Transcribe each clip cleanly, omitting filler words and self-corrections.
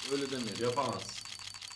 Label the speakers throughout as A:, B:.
A: Öyle demeyelim.
B: Yapamaz.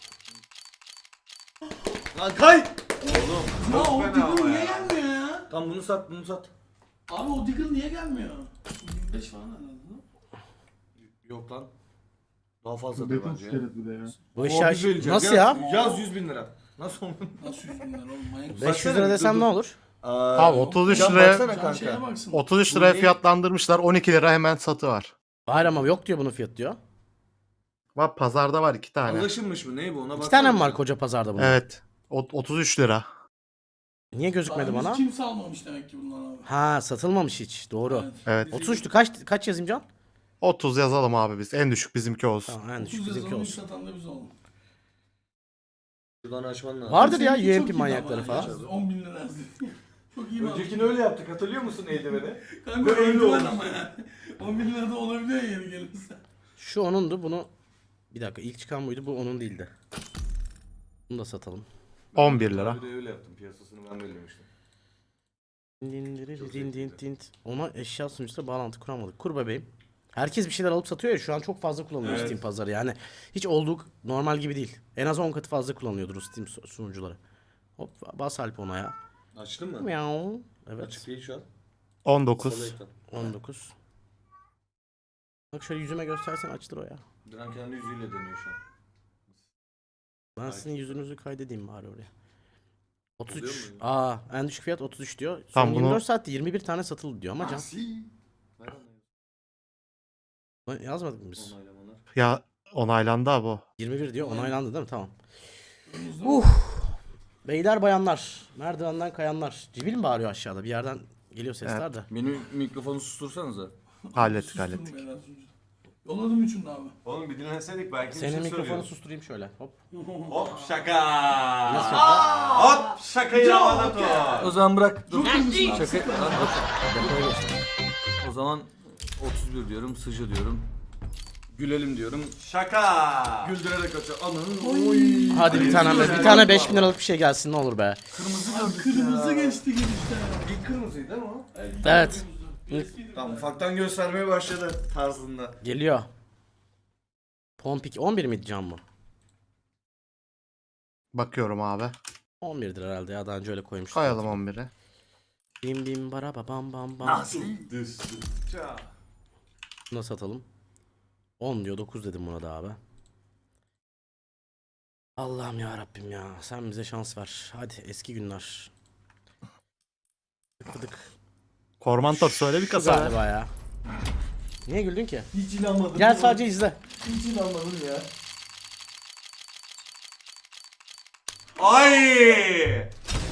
A: Lan kay!
B: Oğlum
C: Ya
B: çok
C: o
B: fena
C: Diggle
B: ama
C: niye
B: ya.
C: gelmiyor ya?
A: Tam bunu sat, bunu sat.
C: Abi o Diggle niye gelmiyor? 25 falan herhalde.
A: Yok lan. Daha fazla
D: Beton
A: bence.
D: iskelet bir de ya.
E: Bu
A: O
E: eşya
A: güzel olacak.
E: nasıl
A: Yaz-
E: ya?
A: Yaz 100.000 lira. Nasıl olur?
C: Nasıl 100 bin lira oğlum manyak mısın?
E: 500
A: Baksana,
E: lira desem
A: dur,
E: ne
A: dur.
E: olur?
D: Abi 33
A: Can
D: liraya
A: baksana
C: Can şeye
A: kanka.
C: baksın.
D: 33 liraya
A: Bu ne?
D: fiyatlandırmışlar. 12 lira hemen satı var.
E: Hayır ama yok diyor bunun fiyatı diyor.
D: Bak pazarda var 2 tane.
A: Anlaşılmış mı? Ne bu? Ona
E: İki
A: baksana.
E: tane mi var koca pazarda bunun?
D: Evet. 33 lira.
E: Niye gözükmedi
C: Daha
E: bana?
C: henüz kimse almamış demek ki bundan abi.
E: Ha satılmamış hiç. Doğru.
C: Evet.
D: Evet.
E: 33'tü. Kaç yazayım Can?
D: 30 yazalım abi biz. En düşük bizimki olsun.
E: Tamam en
C: 30
E: düşük bizimki
C: yazalım
E: olsun.
C: satan da biz olalım.
A: Şuradan açman lazım.
E: Vardır ya
C: Seninki çok
E: UMP
C: iyi
E: manyakları
C: ama
E: falan.
C: ya, 10 bin lira yazdı. Çok iyi
A: Öncekini öyle yaptık. Hatırlıyor musun eldiveni?
C: Kanka
A: öyle
C: öyle
A: olmuş.
C: ama ya. 10 bin lira da olabiliyor ya yeni gelirse.
E: Şu onundu bunu. Bir dakika ilk çıkan buydu bu onun değildi. Bunu da satalım.
D: 11 lira.
A: Bir de öyle yaptım. Piyasasını ben belirlemiştim.
E: Ona eşya sunucusuyla bağlantı kuramadık. Kur bebeğim. Herkes bir şeyler alıp satıyor ya şu an çok fazla kullanılıyor
B: Evet.
E: Steam pazarı yani. Hiç olduğu normal gibi değil. En az 10 katı fazla kullanıyordur Steam sunucuları. Hop bas Alp ona ya.
A: Açtın mı?
E: Miau. Evet.
A: Açık değil şu an.
D: 19.
A: Salı ekran.
E: 19. Bak şöyle yüzüme göstersen açılır o ya.
A: Diren kendi yüzüyle deniyor şu an.
E: Ben sizin yüzünüzü kaydedeyim bari oraya. 33.
A: Oluyor mu?
E: Aa en düşük fiyat 33 diyor. Son
D: Tamam, bunu-
E: 24 saatte 21 tane satıldı diyor ama Can.
A: Ver onu.
E: Yazmadık mı biz?
A: Onaylamalar.
D: Ya onaylandı abi o.
E: 21 diyor onaylandı değil mi? Tamam.
C: Önümüzde
E: Beyler bayanlar, merdivenden kayanlar. Cibil mi bağırıyor aşağıda? Bir yerden geliyor sesler de.
A: Benim mikrofonu sustursanıza.
D: Hallettik
C: sustum
D: hallettik.
C: beyler sunucuda. Yolladım üçünü de abi.
B: Oğlum bir dinleseydik belki bir
E: Senin
B: şey
E: mikrofonu
B: söylüyoruz.
E: susturayım şöyle. Hop.
B: Hop şaka.
E: Nasıl şaka?
B: Hop şakayı havada tut.
A: O zaman bırak. Dur.
C: Şaka.
A: Şaka.
E: Depoya geçtim.
A: O zaman 31 diyorum, sıcı diyorum. Gülelim diyorum.
B: Şaka.
A: Güldürerek açıyor. Ananı.
C: Oy.
E: Hadi bir tane 5000 liralık bir şey gelsin ne olur be.
C: Abi kırmızı geçti girişte.
A: İlk kırmızıydı değil mi o?
E: Evet.
A: Tamam ufaktan göstermeye başladı tarzında.
E: Geliyor. Pompik 11 miydi Can mı?
D: Bakıyorum abi.
E: 11'dir herhalde ya daha önce öyle koymuştuk.
D: Koyalım 11'e.
E: Bim bim bara ba bam bam bam.
B: Nasıl? Düz. Ça.
E: Bunu satalım. 10 diyor 9 dedim buna da abi. Allah'ım ya Rabbim ya sen bize şans ver. Hadi eski günler. Tıkladık.
D: Kormantor söyle bir
E: Şu
D: kasa. ver.
E: galiba ya. Niye güldün ki?
A: Hiç inanmadım.
E: Gel sadece izle.
A: Hiç inanmadım ya.
B: Ay!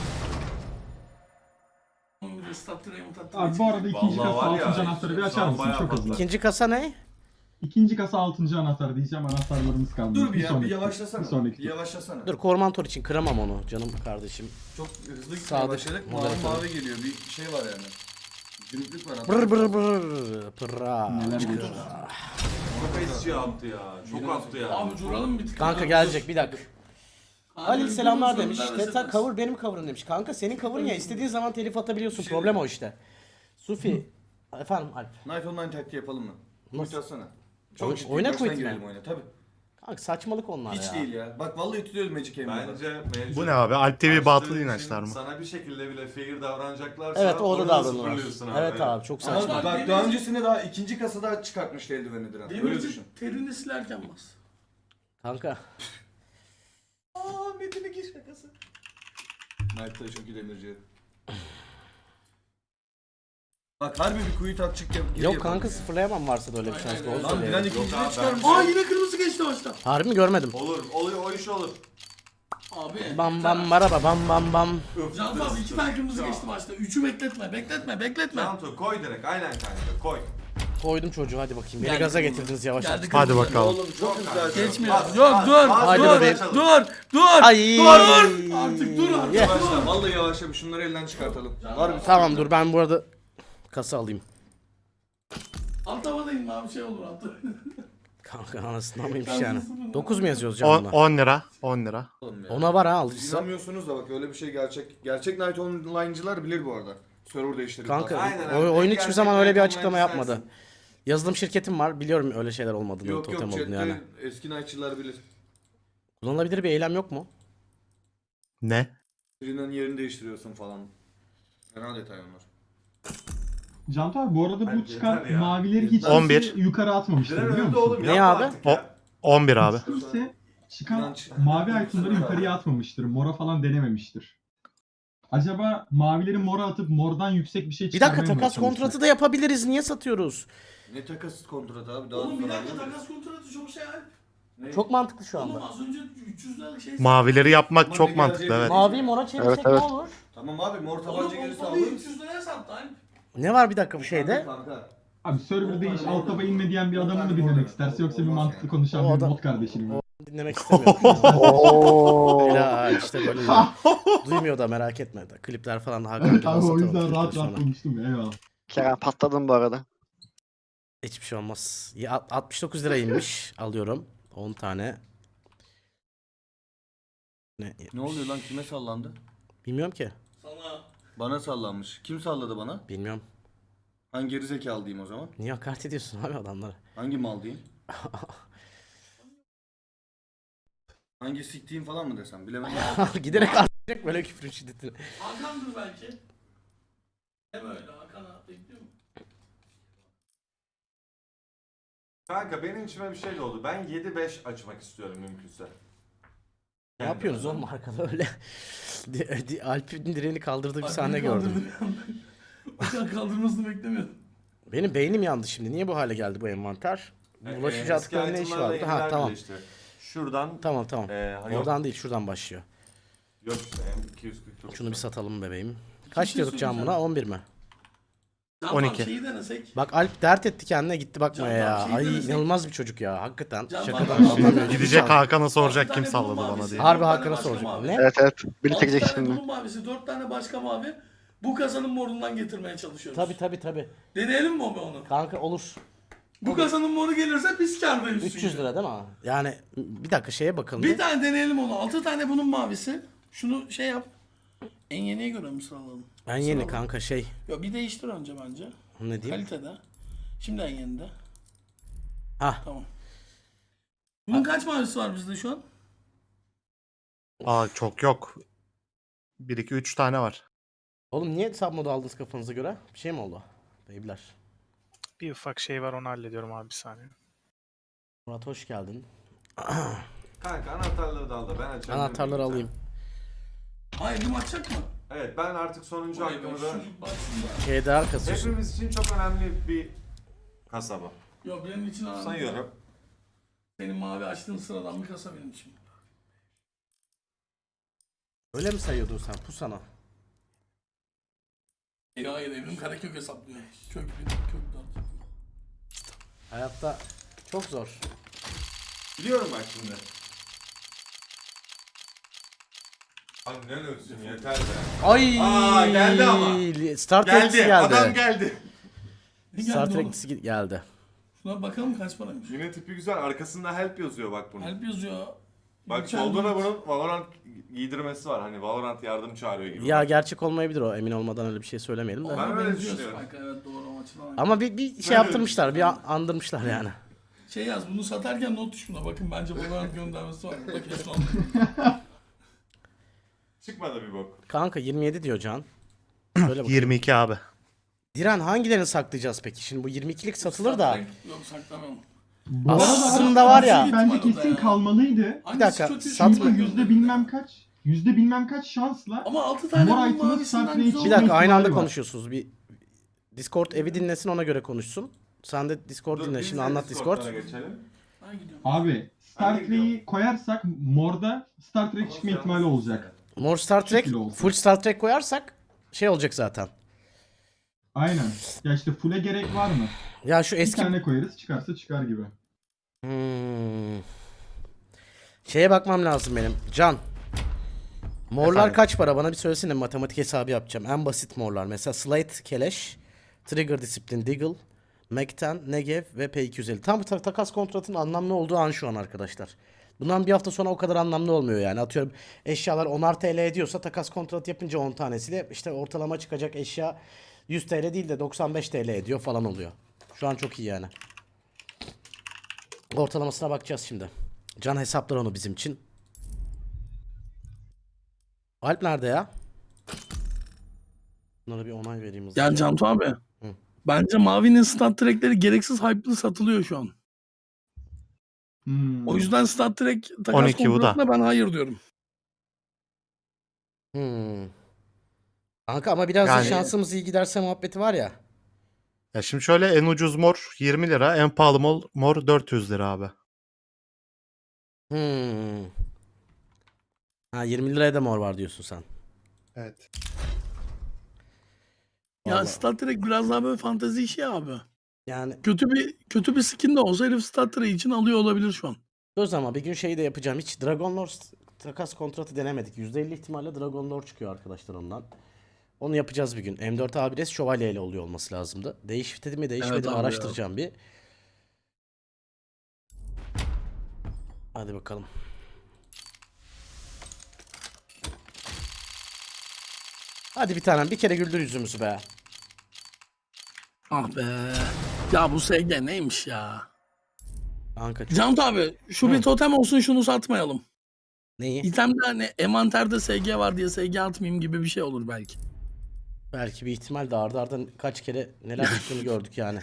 D: Abi bu arada ikinci
B: Vallahi
D: kasa
B: var ya,
D: 6. anahtarı bir
B: şu
D: açar
B: an
D: mısın?
B: bayağı
D: Çok
B: fazla.
D: hızlı.
E: İkinci kasa ne?
D: İkinci kasa 6. anahtarı diyeceğim anahtarlarımız kaldı.
A: Dur bir ya, bir
D: sonraki-
A: yavaşlasana.
D: Bir sonraki.
A: Bir yavaşlasana.
E: Dur Kormantor için kıramam onu canım kardeşim.
A: Çok hızlı gitmeye
E: Sadık,
A: başladık. Mavi
E: moderatörüm.
A: mavi geliyor. Bir şey var yani. Günlük var.
E: Brr brr brr pırra.
D: Neler geliyor?
B: Çok eski yaptı ya. Çok attı ya.
C: Abi duralım bir tık.
E: Kanka gelecek bir dakika. Halil selamlar demiş.
C: Sorular
E: Teta
C: arasında.
E: cover benim cover'ım demiş. Kanka senin cover'ın ya istediğin zaman telif atabiliyorsun. Problem o işte. Sufi. Efendim Alp.
A: Knife Online taktiği yapalım mı?
E: Nasıl?
A: Nasıl? Atsana.
E: Oyun-
A: ciddi,
E: oyuna
A: baştan
E: quit mi?
A: girelim oyuna tabi.
E: Kanka saçmalık onlar
A: Hiç
E: ya.
A: değil ya. Bak vallahi tutuyoruz Magic Game'de.
B: Bence mevcut.
D: Bu ne abi? Alp TV
B: açtığın
D: batıl
B: için
D: inançlar mı?
B: Sana bir şekilde bile fair davranacaklarsa
E: Evet o da
B: orada
E: davranıyorlar.
B: sıfırlıyorsun
E: Evet abi çok
A: Ama
E: saçma.
A: bak daha öncesinde daha ikinci kasada çıkartmıştı eldiveni Diren. Öyle
C: Demirci
A: düşün.
C: terini silerken bas.
E: Kanka.
A: Aaa Metin'in ki şakası. Knife'da çünkü demirci. Bak harbi bir kuyu tatçık yap.
E: Yok kanka sıfırlayamam varsa da öyle bir şans. Doğru
A: Lan
E: söylüyor.
A: Diren
B: Yok
A: ikinciyi
B: abi,
A: çıkarmış.
C: Aa yine kırmızı geçti başta.
E: Harbi mi görmedim.
B: Olur, oluyor, o iş olur.
C: Abi.
E: Bam bam maraba bam bam bam.
C: Can abi iki tane kırmızı geçti başta. Üçü bekletme, bekletme.
B: Cantu koy direkt, aynen kanka, koy.
E: Koydum çocuğu hadi bakayım. Beni
C: Geldi
E: gaza
C: kırmızı.
E: getirdiniz yavaş yavaş.
C: Geldi
D: Hadi
C: kırmızı.
D: bakalım.
A: Oğlum çok güzel.
C: Geçmiyor.
B: Bas,
C: Yok
B: bas,
C: dur.
B: bas,
E: Hadi
C: dur.
E: bebeğim.
C: Dur.
E: Ay.
C: Artık dur artık.
E: Ye.
A: Yavaşla vallahi yavaşla şunları elden çıkartalım. Harbi.
E: Tamam dur ben bu arada kasa alayım.
C: Alt havadayım abi şey olur altı.
E: Kanka anasından mıymış yani. 9 mu yazıyoruz canına?
D: 10 lira. 10 lira.
A: Oğlum ya.
E: Ona var ha alıcısı.
A: İnanmıyorsunuz da bak öyle bir şey gerçek. Gerçek Night Online'cılar bilir bu arada. Server değiştirdik.
E: Kanka
B: Aynen abi.
E: oyun hiçbir
B: Gerçekten
E: zaman öyle bir
B: online
E: açıklama yapmadı.
B: sensin.
E: Yazılım şirketim var. Biliyorum öyle şeyler olmadığını,
A: Yok
E: totem
A: yok
E: olduğunu
A: chatte
E: yani.
A: eski Night'çılar bilir.
E: Kullanılabilir bir eylem yok mu?
F: Ne?
A: Birinin yerini değiştiriyorsun falan. Fena detay onlar.
D: Cantu abi bu arada bu
B: Bence
D: çıkan
B: yeter ya.
D: mavileri hiç
F: 11.
D: kimse yukarı atmamıştır
B: Diren
D: biliyor
B: öldü
D: musun?
B: oğlum
E: Ne
B: yapma
E: abi?
B: artık ya.
F: 11 abi.
D: Hiç kimse çıkan
A: İnanç.
D: mavi itemları yukarıya atmamıştır. Mora falan denememiştir. Acaba mavileri mora atıp mordan yüksek bir şey
E: Bir
D: çıkarmaya
E: dakika
D: mı
E: takas
D: çalışsak?
E: kontratı da yapabiliriz. Niye satıyoruz?
A: Ne takası kontratı abi? Daha
C: Oğlum bir
A: sonra
C: dakika
A: anlamıyorum.
C: takas kontratı çok şey abi.
A: Ne?
E: Çok mantıklı şu
C: Oğlum
E: anda.
C: az önce 300 liralık şey.
F: Mavileri yapmak
A: Ama
F: çok
A: ne
F: mantıklı
A: geleceği
F: evet.
E: Mavi mora çevirsek
G: Evet, evet.
E: ne olur?
A: Tamam abi mor
C: Oğlum
A: tabanca gelirse
C: pompalı
A: alırız.
C: 300 liraya sattı Alp.
E: Ne var bir dakika bu şeyde?
A: Kanka.
D: Abi serverda hiç
A: Orada-
D: alt taba inme diyen bir
A: orada-
D: adamı mı
A: orada-
D: dinlemek
A: orada-
D: isterse yoksa bir
A: olmaz
D: mantıklı
A: yani.
D: konuşan
E: O
D: bir
E: adam-
D: bot kardeşini mi?
E: Dinlemek istemiyorum.
G: Oo.
E: Helal işte böyle. Duymuyor da merak etme. Klipler falan da Hakan
D: Evet
E: gibi
D: abi o
E: satalım
D: yüzden
E: klipleri
D: rahat
E: sonra.
D: rahat konuştum ya, eyvallah.
G: Kerem patladın bu arada.
E: Hiçbir şey olmaz. 69 lira inmiş. Alıyorum. 10 tane.
A: Ne oluyor lan kime sallandı?
E: Bilmiyorum ki.
C: Sana.
A: Bana sallanmış. Kim salladı bana?
E: Bilmiyorum.
A: Hangi gerizekalı diyeyim o zaman?
E: Niye hakaret ediyorsun abi adamlara?
A: Hangi mal diyeyim? Hangi siktiğim falan mı desem bilemedim.
E: Giderek artacak böyle küfür şiddetini.
C: Hakan'dır belki. Hem öyle Hakan'a bekliyor mu?
B: Kanka benim içime bir şey oldu. Ben 7-5 açmak istiyorum mümkünse.
E: Ne yapıyorsunuz oğlum arkada öyle? Alp'in direğini kaldırdığı bir sahne
C: Alp'in
E: gördüm.
C: kaldırdı. O kadar kaldırmasını beklemiyordum.
E: Benim beynim yandı şimdi. Niye bu hale geldi bu envanter? Bu bulaşıcı
B: Eski
E: atıkların ne işi
B: itemlarla
E: vardı? Ha
B: yeniler
E: tamam.
B: birleşti. Şuradan
E: Tamam tamam.
B: yok,
E: Oradan değil şuradan başlıyor.
B: yok işte M249.
E: Şunu bir satalım bebeğim. Kaç
C: şey
E: diyorduk can buna?
C: söyleyeceğim.
E: 11 mi?
C: Can
F: 12.
C: Şeyi denesek.
E: Bak Alp dert etti kendine gitti bakmaya
C: Can
E: ya.
C: Bak, şey
E: Ay
C: denesek-
E: inanılmaz bir çocuk ya. Hakikaten.
C: Can
E: Şakadan
C: Bak,
E: anlamıyor.
F: Gidecek
E: Can.
F: Hakan'a soracak
C: 6
F: kim
C: tane
F: salladı
C: bunun
F: bana
C: mavisi,
F: diye.
E: Harbi
C: 4 tane
E: Hakan'a
C: başka
E: soracak.
C: mavi.
E: Ne?
G: Evet evet.
C: 6
G: Bitirecek
C: tane
G: şimdi.
C: bunun mavisi, 4 tane başka mavi. Bu kasanın morundan getirmeye çalışıyoruz.
E: Tabi.
C: Deneyelim mi onu?
E: Kanka olur.
C: Bu kasanın moru gelirse biz kârdayız.
E: 300
C: çünkü.
E: lira değil mi? Yani bir dakika şeye bakalım.
C: Bir tane deneyelim onu. 6 tane bunun mavisi. Şunu şey yap. En yeniye göre mi sıralayalım?
E: Ben yeni kanka şey.
C: Yok bir değiştir önce bence.
E: Ne diyeyim?
C: Kalitede. Şimdi en yenide.
E: Ah.
C: Tamam. Bunun kaç mavisi var bizde şu an?
F: Aa çok yok. 1 2 3 tane var.
E: Oğlum niye submodu aldınız kafanıza göre? Bir şey mi oldu? Beyler.
H: Bir ufak şey var onu hallediyorum abi bir saniye.
E: Murat hoş geldin.
B: Kanka anahtarları da al da ben açarım.
E: Anahtarları alayım.
C: Hayır bir açacak mı?
B: Evet ben artık sonuncu
C: Vay be,
B: hakkımı da
C: şu baksın da.
E: Şeyde kasıyorsun.
B: hepimiz için çok önemli bir kasaba.
C: Yok benim için önemli.
B: Sayıyorum.
C: Senin mavi açtığın sıradan bir kasa benim için.
E: Öyle mi sayıyordun sen? Pusana.
C: Hayır evrim karekök hesaplıyor. Kök 1, kök 4.
E: Hayatta çok zor.
B: Biliyorum bak şimdi. Annen ölsün yeter be.
E: Ay!
B: Aa, geldi ama.
E: Star Trek'si geldi.
B: Adam geldi.
C: Ne
E: Star
C: geldi oğlum?
E: Trek'si geldi.
C: Şuna bakalım kaç paraymış.
B: Yine tipi güzel. Arkasında help yazıyor bak bunun.
C: Help yazıyor.
B: Bak
C: Mükemmel.
B: solda da bunun Valorant giydirmesi var. Hani Valorant yardım çağırıyor gibi.
E: Ya gerçek olmayabilir o. Emin olmadan öyle bir şey söylemeyelim de.
C: Ona
B: Ben öyle
C: benziyor
B: düşünüyorum.
C: Spike, evet doğru o açıdan.
E: Ama bir şey yaptırmışlar. Bir andırmışlar yani.
C: Şey yaz bunu satarken not düş buna. Bakın bence Valorant göndermesi var. Bak kesin oldu.
B: Çıkmadı bir bok.
E: Kanka 27 diyor Can. Şöyle bak.
F: 22 abi.
E: Diren hangilerini saklayacağız peki? Şimdi bu 22'lik satılır da.
C: Yok saklamayalım.
D: Bu arada
E: Aslında var ya.
D: bence kesin kalmalıydı.
C: Hangisi
E: dakika,
C: kötü?
E: satma.
D: Çünkü yüzde bilmem kaç şansla
C: Ama 6 tane
D: Mor
C: bunun
D: item'ın
C: mavisinden
D: Star Trek
C: güzel
E: Bir
C: oldu.
E: dakika aynı anda
D: ihtimali var.
E: konuşuyorsunuz. Bir Discord evi dinlesin ona göre konuşsun. Sen de Discord dinle.
B: biz
E: Şimdi
B: de
E: anlat Discord.
B: Discord'lara geçelim.
C: Ben gidiyorum.
D: abi Star
B: Ben de gidiyorum.
D: Trek'i koyarsak morda Star Trek çıkma ihtimali olacak.
E: Mor Star Trek,
D: şekilde olsun.
E: full Star Trek koyarsak şey olacak zaten.
D: Aynen. Ya işte full'e gerek var mı?
E: Ya şu
D: Bir
E: eski
D: tane koyarız çıkarsa çıkar gibi.
E: Şeye bakmam lazım benim. Can. Morlar
F: Efendim?
E: kaç para? Bana bir söylesene matematik hesabı yapacağım. En basit morlar. Mesela Slate, Keleş, Trigger Discipline, Deagle, Mekten, Negev ve P250. Tam takas kontratının anlamlı olduğu an şu an arkadaşlar. Bundan bir hafta sonra o kadar anlamlı olmuyor yani. Atıyorum eşyalar 10'ar TL ediyorsa takas kontrat yapınca 10 tanesiyle işte ortalama çıkacak eşya 100 TL değil de 95 TL ediyor falan oluyor. Şu an çok iyi yani. Ortalamasına bakacağız şimdi. Can hesaplar onu bizim için. Alp nerede ya? Bunlara bir onay vereyim hızlıca.
C: Yani Cantu abi.
E: Hı.
C: Bence Mavi'nin stat track'leri gereksiz hype'lı satılıyor şu an.
D: Hmm.
C: O yüzden stat track takas
F: 12 bu da.
C: kontratına ben hayır diyorum.
E: Kanka ama biraz da
F: Yani-
E: şansımız iyi giderse muhabbeti var ya.
F: Ya şimdi şöyle en ucuz mor 20 lira, en pahalı mor 400 lira abi.
E: Ha 20 liraya da mor var diyorsun sen.
F: Evet.
C: Ya
E: Vallahi.
C: stat track biraz daha böyle fantezi işi ya abi.
E: Yani
C: Kötü bir skin de olsa herif stat track için alıyor olabilir şu an.
E: söz ama bir gün şeyi de yapacağım. Hiç Dragon Lore takas kontratı denemedik. %50 ihtimalle Dragon Lore çıkıyor arkadaşlar ondan. Onu yapacağız bir gün. M4 Abires şövalye ile oluyor olması lazımdı. Değişti mi değişmedi
C: Evet
E: mi
C: abi ya.
E: araştıracağım bir. Hadi bakalım. Hadi bir tanem bir kere güldür yüzümüzü be.
C: Ah be. Ya bu SG neymiş ya?
E: Kanka çok...
C: Cantu abi şu bir totem olsun şunu satmayalım.
E: Neyi?
C: İtemde hani envanterde SG var diye SG atmayayım gibi bir şey olur belki.
E: Belki bir ihtimal de arda arda kaç kere neler çıktığını gördük yani.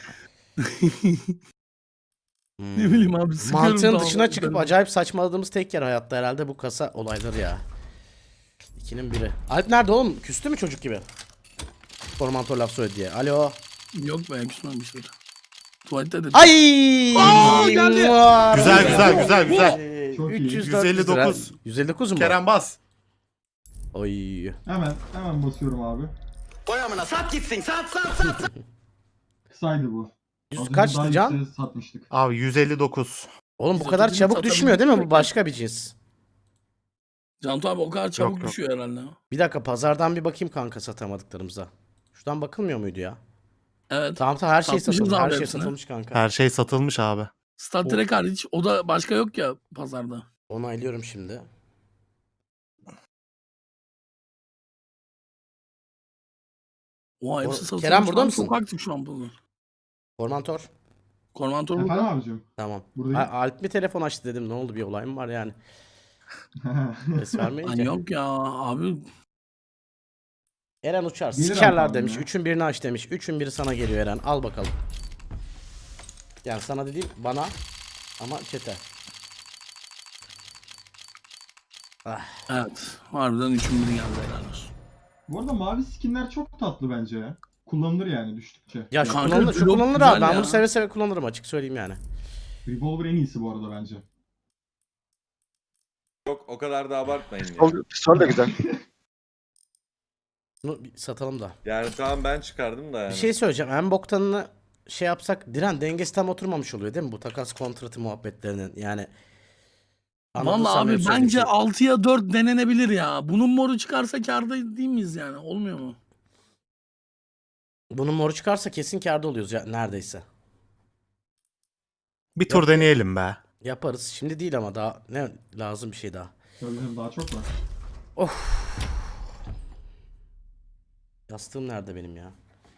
C: Ne bileyim abi sıkıyorum.
E: Mantığın
C: tamam.
E: dışına çıkıp acayip saçmaladığımız tek yer hayatta herhalde bu kasa olayları ya. İkinin biri. Alp nerede oğlum? Küstü mü çocuk gibi? Formantor laf söyledi diye. Alo.
C: Yok be küsmemiştir. Tuvalette de.
E: Ay!
C: Aa, geldi.
F: Güzel.
D: Çok iyi.
F: 159.
E: 159 mu?
F: Kerem bas.
E: Oy.
D: Hemen basıyorum abi. Kısaydı bu. Az önce
E: Kaçtı
D: daha
E: Can?
D: yükseğe satmıştık.
F: Abi 159.
E: Oğlum bu
C: 130'unu
E: kadar çabuk
C: satabilir
E: düşmüyor değil mi? Bu
C: miyim?
E: başka bir cins.
C: Cantu abi o kadar çabuk
F: yok.
C: düşüyor herhalde.
E: Bir dakika pazardan bir bakayım kanka satamadıklarımıza. Şuradan bakılmıyor muydu ya?
C: Evet.
E: Tamam her şey
C: Satmışız
E: satılmış. Her
C: abi
E: şey
C: hepsini.
E: satılmış kanka.
F: Her şey satılmış abi.
C: Stat Trek hariç o da başka yok ya pazarda.
E: Onaylıyorum şimdi.
C: O hepsi satılmış.
E: Kerem burada
C: Lan
E: mısın?
C: Çok aktif şu an bunlar.
E: Formantor.
C: Kormantor
D: Efendim
C: burada.
D: abicim?
E: Tamam.
D: Buradayım.
E: Alp mi telefon açtı dedim. Ne oldu bir olay mı var yani? Ses
C: Lan
E: vermeyince.
C: yok ya abi.
E: Eren uçar.
D: Gelir
E: Sikerler
D: abi
E: demiş.
D: ya.
E: Üçün birini aç demiş. Üçün biri sana geliyor Eren. Al bakalım. Yani sana dediğim bana ama çete.
C: Evet. Harbiden üçün biri geldi helal olsun.
D: Bu arada mavi skinler çok tatlı bence ya. Kullanılır yani düştükçe.
E: Ya şu
C: Kanka,
E: kullanılır, şu
C: blok
E: kullanılır
C: güzel
E: abi. Ben
C: ya.
E: bunu seve seve kullanırım açık söyleyeyim yani.
D: Revolver en iyisi bu arada bence.
B: Yok o kadar da abartmayın ya.
G: Pistol de güzel.
E: Bunu bir satalım da.
B: Yani tamam ben çıkardım da yani.
E: Bir şey söyleyeceğim. En boktanını şey yapsak Diren dengesi tam oturmamış oluyor değil mi bu takas kontratı muhabbetlerinin yani. Anladın
C: Vallahi
E: sen
C: abi
E: benim
C: bence
E: söylediğim
C: 6'ya 4 denenebilir ya. Bunun moru çıkarsa kârda değil miyiz yani? Olmuyor mu?
E: şeyi. Bunun moru çıkarsa kesin kârda oluyoruz ya neredeyse.
F: Bir tur deneyelim be.
E: Yaparız. Şimdi değil ama daha ne lazım bir şey daha.
D: Tabii daha çok var.
E: Yastığım nerede benim ya?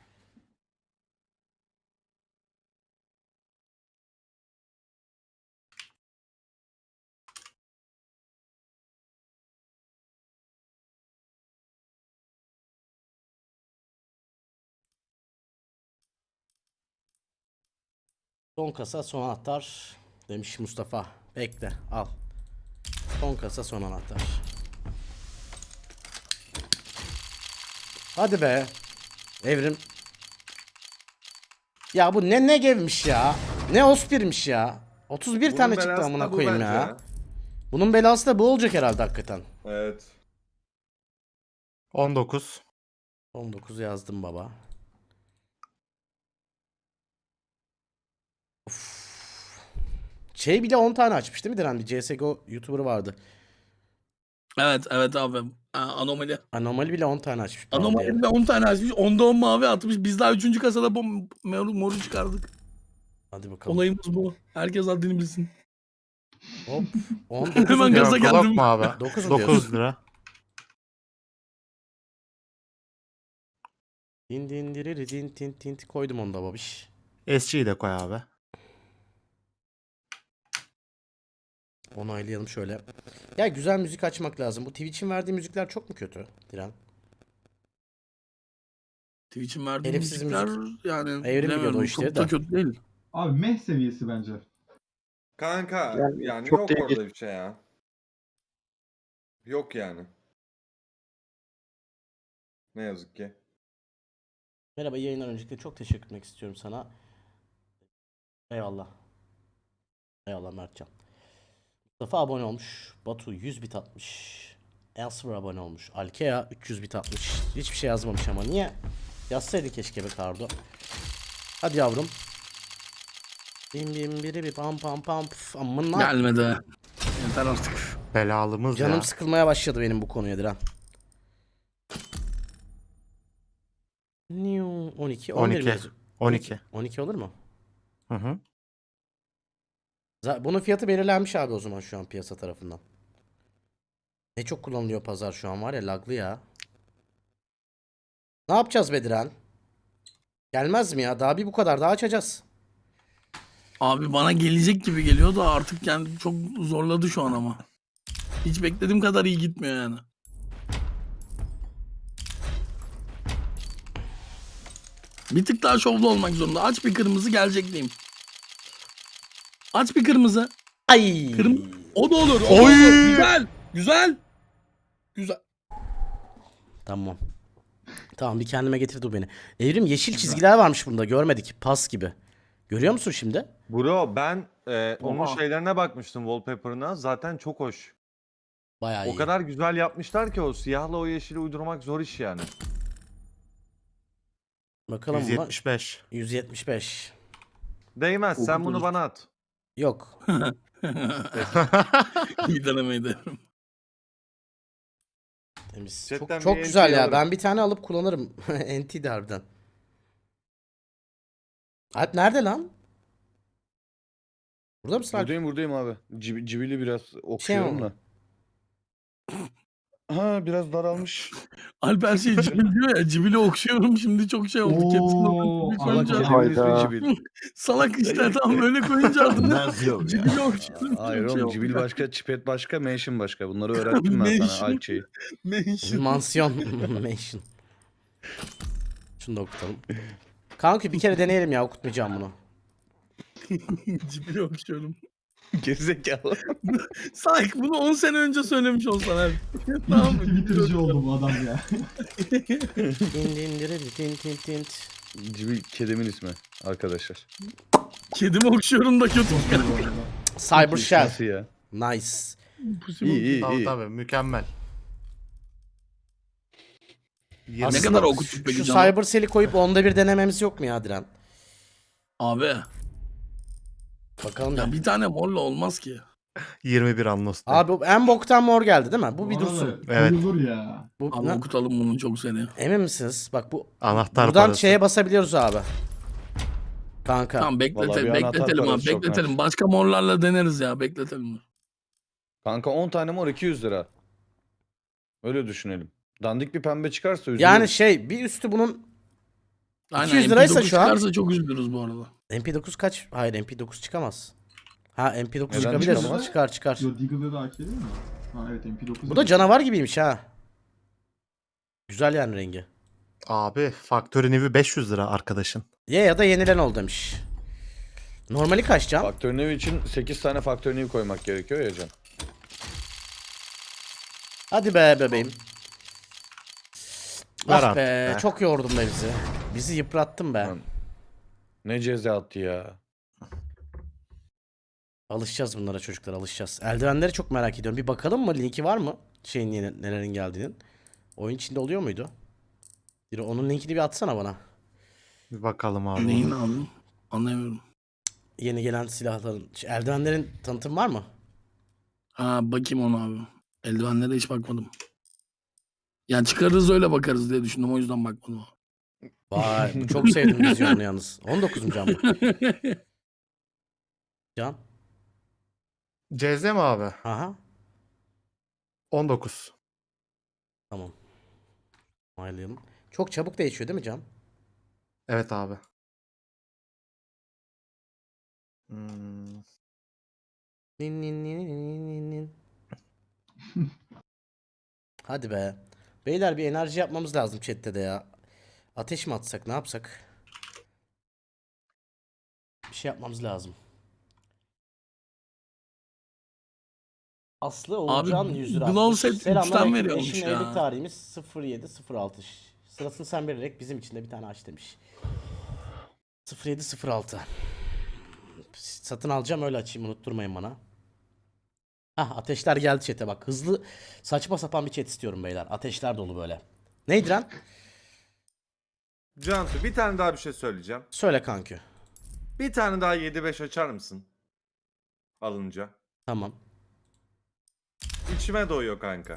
E: Son kasa son anahtar demiş Mustafa. Bekle al. Son kasa son anahtar. Hadi be. Evrim. Ya bu ne gevmiş ya. Ne ospirmiş ya. 31
B: Bunun
E: tane çıktı
B: belası
E: amına
B: da bu
E: koyayım
B: bence
E: ya. Bunun belası da bu olacak herhalde hakikaten.
B: Evet.
F: 19.
E: 19 yazdım baba. Of. Şey bile 10 tane açmış değil mi Diren? Bir CSGO YouTuber vardı.
C: Evet abi. Anomali.
E: Anomali bile 10 tane açmış.
C: Anomali de 10 tane açmış. 10'da 10 mavi atmış. Biz daha 3. kasada moru çıkardık.
E: Hadi bakalım.
C: Olayımız bu. Herkes haddini bilsin.
E: Hop. 19
C: Hemen
E: mu?
C: gaza
F: Glock
C: geldim.
F: mu abi?
E: 9 mu
F: 9
E: diyorsun?
F: lira.
E: Din din diriri din tin tin koydum onu da babiş.
F: SG'yi de koy abi.
E: Onaylayalım şöyle. Ya güzel müzik açmak lazım. Bu Twitch'in verdiği müzikler çok mu kötü Diren?
C: Twitch'in verdiği
E: Herifsiz
C: müzikler
E: müzik.
C: yani
E: Evrim biliyordu o
C: bilemiyorum,
E: işleri
C: çok da
E: de.
C: kötü değil.
D: Abi meh seviyesi bence.
B: Kanka
G: Yani
B: yani
G: çok
B: yok
G: değil.
B: orada bir şey ya. Yok yani. Ne yazık ki.
E: Merhaba, yayından öncelikle çok teşekkür etmek istiyorum sana. Eyvallah. Eyvallah Mertcan. Mustafa abone olmuş. Batu 100 bit atmış. Elsewhere abone olmuş. Alkea 300 bit atmış. Hiçbir şey yazmamış ama niye? Yazsaydın keşke be Kardo. Hadi yavrum. Bim bim biri bir pam pam pam pf. Amına.
C: Gelmedi. Yeter artık.
F: Belalımız
E: Canım
F: ya.
E: sıkılmaya başladı benim bu konuya Diren. 12, 11 mi
F: 12.
E: yazıyor?
F: 12.
E: 12 olur mu?
F: Hı hı.
E: Bunun fiyatı belirlenmiş abi o zaman şu an piyasa tarafından. Ne çok kullanılıyor pazar şu an var ya, laglı ya. Ne yapacağız Bediren? Gelmez mi ya? Daha bir bu kadar daha açacağız.
C: Abi bana gelecek gibi geliyor da artık yani çok zorladı şu an ama. Hiç beklediğim kadar iyi gitmiyor yani. Bir tık daha şovlu olmak zorunda. Aç bir kırmızı gelecek diyeyim. Aç bir kırmızı.
E: Ay.
C: O da olur. O da
F: Oy!
C: olur. Güzel. Güzel. Güzel.
E: Tamam. Tamam, bir kendime getirdi bu beni. Evrim, yeşil çizgiler varmış bunda, görmedik. Pas gibi. Görüyor musun şimdi?
B: Bro ben onun
C: Oha.
B: şeylerine bakmıştım wallpaper'ına. Zaten çok hoş.
E: Bayağı iyi.
B: O kadar güzel yapmışlar ki o siyahla o yeşili uydurmak zor iş yani.
E: Bakalım buna.
F: 175.
E: 175.
B: Değmez. Sen bunu bana at.
E: Yok.
C: İyi denemeydi.
E: Temiz.
B: Chatten
E: Çok
B: bir
E: güzel
B: NT
E: ya.
B: alırım.
E: Ben bir tane alıp kullanırım. NT de harbiden. Alp nerede lan? Burada mısın Alp?
I: Buradayım abi. Cibili biraz okşuyorum
E: mi?
I: da. Ha biraz daralmış.
C: Alp her şeyi cibil diyor ya. Cibili okşuyorum şimdi çok şey oldu. Hepsini
D: Oo,
C: cibil
D: Allah
C: koyunca.
D: kerim.
I: Kedimin ismi
G: Hayda.
I: Cibil.
C: Salak işte tam böyle koyunca adını. Cibili okşuyorum.
I: Hayır
C: çok şey
I: oğlum
C: oldu.
I: Cibil başka, Çipet başka, Mansion başka. Bunları öğrettim ben
C: Mansion.
I: sana Alçe'yi.
C: Mention.
E: Mansiyon. Mansion. Şunu da okutalım. Kanka bir kere deneyelim ya, okutmayacağım bunu.
C: Cibili okşuyorum.
I: Gerizekalı.
C: Sanki bunu 10 sene önce söylemiş olsan abi.
D: İyi
C: Tamam
D: ki
C: mı?
D: Twitter'cı oldu bu adam ya.
E: Tin tin diri tin tin tin.
I: Cibil kedimin ismi arkadaşlar.
C: Kedimi okşuyorum da kötü.
E: Cyber Shell.
I: Nasıl ya?
E: Nice.
I: İyi
F: Tabii
I: iyi.
F: tabii mükemmel.
C: Ne
E: Aslında
C: kadar okuttuk peki
E: şu
C: canım?
E: Cyber Cell'i koyup onda bir denememiz yok mu ya Diren?
C: Abi
E: Bakalım
C: ya
E: ya.
C: bir tane morla olmaz ki.
F: 21 Annos'ta.
E: Abi bu en boktan mor geldi değil mi? Bu bir
D: Bana da
E: dursun.
F: Evet.
D: Koyulur ya.
E: Bu,
C: Abi
E: ne?
C: okutalım bunu çok seni.
E: Emin misiniz? Bak bu
F: Anahtar
E: buradan
F: parası.
E: şeye basabiliyoruz abi. Kanka.
C: Tamam
I: Vallahi bir
C: bekletelim
I: anahtar
C: bekletelim abi
I: parası çok
C: bekletelim.
I: net.
C: Başka morlarla deneriz ya bekletelim.
I: Kanka 10 tane mor 200 lira. Öyle düşünelim. Dandik bir pembe çıkarsa üzülürüz.
E: Yani şey, bir üstü bunun
C: Aynen
E: 200 liraysa
C: MP9
E: şu an-
C: çıkarsa çok üzülürüz bu arada.
E: MP9 kaç? Hayır, MP9 çıkamaz. Ha, MP9
I: Neden
E: çıkabilir.
I: çıkamaz?
E: Çıkar çıkar.
D: Yo Deagle'da da AK değil mi? Ha evet MP9.
E: Bu da canavar gibiymiş ha. Güzel yani rengi.
F: Abi Factory New'i 500 lira arkadaşın.
E: Ye ya da yenilen ol demiş. Normali kaç can?
I: Faktör New için 8 tane Faktör New koymak gerekiyor ya can.
E: Hadi be bebeğim.
F: Ver
E: Ah
F: artık
E: be,
F: be.
E: çok yordun be bizi. Bizi yıprattın be.
I: Lan. Ne ceza attı ya.
E: Alışacağız bunlara çocuklar, alışacağız. Eldivenleri çok merak ediyorum. Bir bakalım mı? Linki var mı? Şeyin nelerin geldiğinin. Oyun içinde oluyor muydu? Bir onun linkini bir atsana bana.
F: Bir bakalım abi.
C: Neyin abi? Anlayamıyorum.
E: Yeni gelen silahların, eldivenlerin tanıtım var mı?
C: Ha bakayım ona abi. Eldivenlere hiç bakmadım. Yani çıkarırız öyle bakarız diye düşündüm o yüzden bakmadım.
E: Vay, çok sevdim vizyonunu yalnız. 19. can bu. Can.
F: CZ mi abi?
E: Aha.
F: 19.
E: Tamam. Onaylayalım. Çok çabuk değişiyor değil mi Can?
F: Evet abi. Hmm.
E: Nin nin nin nin nin nin. Hadi be. Beyler bir enerji yapmamız lazım chatte de ya. Ateş mi atsak ne yapsak? Bir şey yapmamız lazım. Aslı Oğulcan 100 lira
C: Glow
E: atmış.
C: set
E: Selamlar,
C: 3'ten veriyormuş
E: eşimle
C: ya.
E: evlilik tarihimiz 0706. Sırasını sen vererek bizim için de bir tane aç demiş. 0706. Satın alacağım öyle açayım unutturmayın bana. Hah ateşler geldi chat'e bak. Hızlı saçma sapan bir chat istiyorum beyler. Ateşler dolu böyle. Neydi lan?
B: Cantu bir tane daha bir şey söyleyeceğim.
E: Söyle kankü.
B: Bir tane daha 7-5 açar mısın? Alınca.
E: Tamam.
B: İçime doyuyor kanka.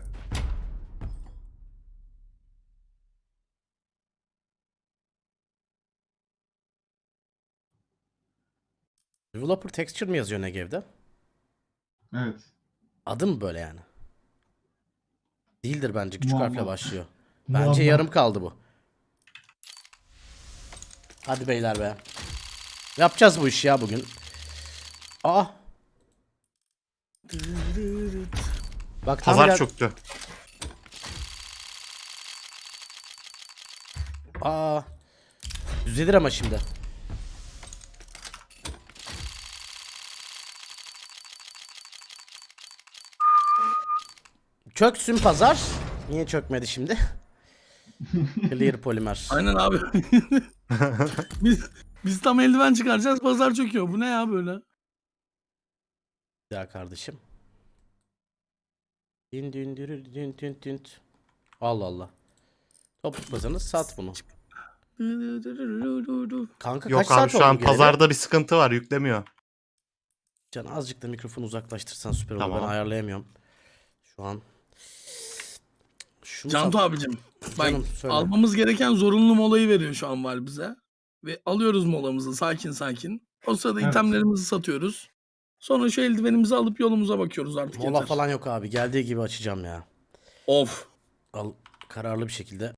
E: Developer texture mi yazıyor Negev'de?
D: Evet.
E: Adı mı böyle yani? Değildir bence. Küçük
D: Muamma.
E: harfle başlıyor. Bence
D: Muamma.
E: yarım kaldı bu. Hadi beyler be. Yapacağız bu işi ya bugün. Aa. Bak tam
F: Pazar
E: gel-
F: çöktü.
E: Aa. Düzelir ama şimdi. Çöksün pazar. Niye çökmedi şimdi? Clear polimer.
C: Aynen abi. biz tam eldiven çıkaracağız pazar çöküyor. Bu ne ya böyle?
E: Ya kardeşim. Din din dürü din din din. Allah Allah. Topukmasanız sat bunu. Kanka
F: Yok
E: kaç
F: abi
E: saat
F: şu
E: oldu
F: an
E: geleli?
F: pazarda bir sıkıntı var, yüklemiyor.
E: Can azıcık da mikrofonu uzaklaştırsan süper olur.
F: Tamam.
E: Ben ayarlayamıyorum. Şu an. Şunu
C: Cantu
E: sat-
C: abicim. Bak
E: Canım, söyle.
C: almamız gereken zorunlu molayı veriyor şu an var bize. Ve alıyoruz molamızı sakin sakin. O sırada
D: Evet.
C: itemlerimizi satıyoruz. Sonra şu eldivenimizi alıp yolumuza bakıyoruz artık
E: Mola
C: yeter.
E: falan yok abi. Geldiği gibi açacağım ya.
C: Of.
E: Al kararlı bir şekilde.